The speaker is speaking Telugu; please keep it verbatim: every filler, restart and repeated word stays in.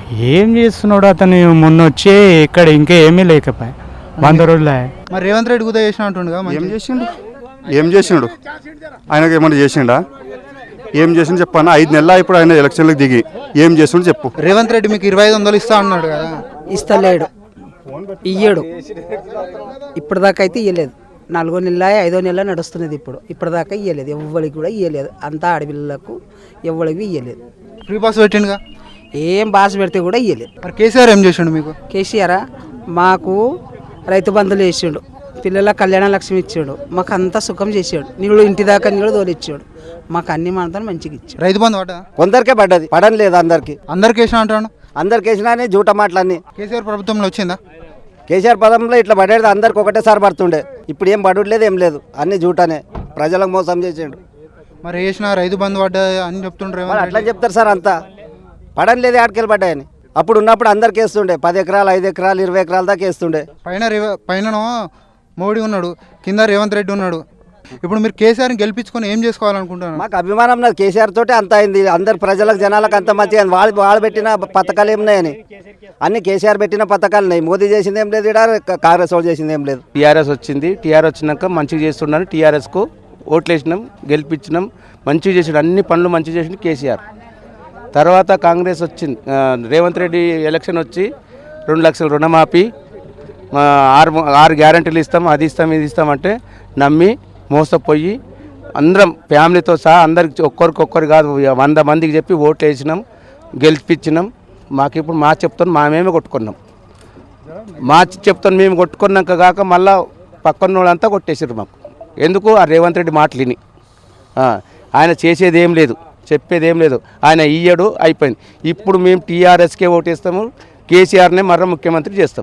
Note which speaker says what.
Speaker 1: ఏం చేస్తున్నాడు అతను మొన్న వచ్చి ఇక్కడ ఇంకా ఏమీ లేకపోయా వంద రోజులే.
Speaker 2: మరి రేవంత్ రెడ్డి కూడా చేసిన అంటుండగా
Speaker 3: ఏం చేసిండు ఏం చేసిండు ఆయనకి ఏమన్నా చేసిండా? ఏం చేసిండు చెప్పన్నా? ఐదు నెలల ఇప్పుడు ఆయన ఎలక్షన్లకు దిగి ఏం చేసిండు చెప్పు.
Speaker 2: రేవంత్ రెడ్డి మీకు ఇరవై ఐదు వందలు ఇస్తా అన్నాడు కదా,
Speaker 4: ఇస్తలేడు, ఇయ్యడు. ఇప్పటిదాకా అయితే ఇయ్యలేదు. నాలుగో నెల ఐదో నెల నడుస్తున్నది ఇప్పుడు. ఇప్పటిదాకా ఇయ్యలేదు, ఎవ్వరికి కూడా ఇయ్యలేదు. అంతా ఆడపిల్లలకు ఎవ్వరికి ఇయ్యలేదు.
Speaker 2: ఫ్రీ పాస్ పెట్టిండుగా,
Speaker 4: ఏం బాస పెడితే కూడా ఇయ్యలేదు.
Speaker 2: మరి కేసీఆర్ ఏం చేసిండు మీకు?
Speaker 4: కేసీఆర్ మాకు రైతు బంధువులు వేసిండు, పిల్లల కళ్యాణ లక్ష్మి ఇచ్చాడు, మాకు అంతా సుఖం చేసాడు, నీళ్ళు ఇంటి దాకా నీళ్ళు తోలిచ్చాడు, మాకు అన్ని మాత్రం మంచిగా ఇచ్చాడు.
Speaker 2: రైతు బంధు పడ్డా?
Speaker 5: కొందరికే పడ్డది, పడని లేదు అందరికి.
Speaker 2: అందరికి వేసిన అంటాను.
Speaker 5: అందరికి వేసినా జూట మాటలన్నీ.
Speaker 2: కేసీఆర్ ప్రభుత్వంలో వచ్చిందా?
Speaker 5: కేసీఆర్ పదంలో ఇట్లా పడేది అందరికి ఒకటేసారి పడుతుండే. ఇప్పుడు ఏం పడలేదు, ఏం లేదు, అన్ని జూటనే. ప్రజలకు మోసం చేసిండు.
Speaker 2: మరి వేసిన రైతు బంధు పడ్డా అని చెప్తుండ్రు.
Speaker 5: వాళ్ళు అట్లా చెప్తారు సార్, అంతా పడని లేదు, ఆటకెళ్ళి పడ్డాయని. అప్పుడు ఉన్నప్పుడు అందరికి వేస్తుండే, పది ఎకరాలు ఐదు ఎకరాలు ఇరవై ఎకరాల దాకా వేస్తుండే.
Speaker 2: పైన రేవ పైన మోడీ ఉన్నాడు, కింద రేవంత్ రెడ్డి ఉన్నాడు. ఇప్పుడు మీరు కేసీఆర్ని గెలిపించుకొని ఏం చేసుకోవాలనుకుంటున్నారు?
Speaker 5: మాకు అభిమానం నాది కేసీఆర్ తోటే అంత అయింది. అందరు ప్రజలకు జనాలకు అంత మంచిగా వాళ్ళు వాళ్ళు పెట్టిన పథకాలు ఏమున్నాయని అన్ని కేసీఆర్ పెట్టిన పథకాలు ఉన్నాయి. మోదీ చేసింది ఏం లేదు, ఇక్కడ కాంగ్రెస్ వాళ్ళు చేసింది ఏం లేదు.
Speaker 6: టీఆర్ఎస్ వచ్చింది, టీఆర్ఎస్ వచ్చినాక మంచిగా చేస్తున్నాను, టీఆర్ఎస్కు ఓట్లు వేసినాం, గెలిపించినాం, మంచిగా చేసాడు, అన్ని పనులు మంచిగా చేసింది కేసీఆర్. తర్వాత కాంగ్రెస్ వచ్చింది, రేవంత్ రెడ్డి ఎలక్షన్ వచ్చి రెండు లక్షల రుణమాఫీ, ఆరు ఆరు గ్యారంటీలు ఇస్తాం, అది ఇస్తాం ఇది ఇస్తామంటే నమ్మి మోసపోయి అందరం ఫ్యామిలీతో సహా అందరికి ఒక్కరికొక్కరు కాదు వంద మందికి చెప్పి ఓట్లు వేసినాం, గెలిపించినాం. మాకు ఇప్పుడు మా చెప్తాను మా మేమే కొట్టుకున్నాం, మా చెప్తాను మేము కొట్టుకున్నాక కాక మళ్ళీ పక్కన వాళ్ళంతా కొట్టేసారు మాకు. ఎందుకు? ఆ రేవంత్ రెడ్డి మాటలు విని. ఆయన చేసేది ఏం లేదు, చెప్పేది ఏం లేదు, ఆయన ఇయ్యడు, అయిపోయింది. ఇప్పుడు మేము టీఆర్ఎస్కే ఓటేస్తాము, కేసీఆర్నే మరో ముఖ్యమంత్రి చేస్తాం.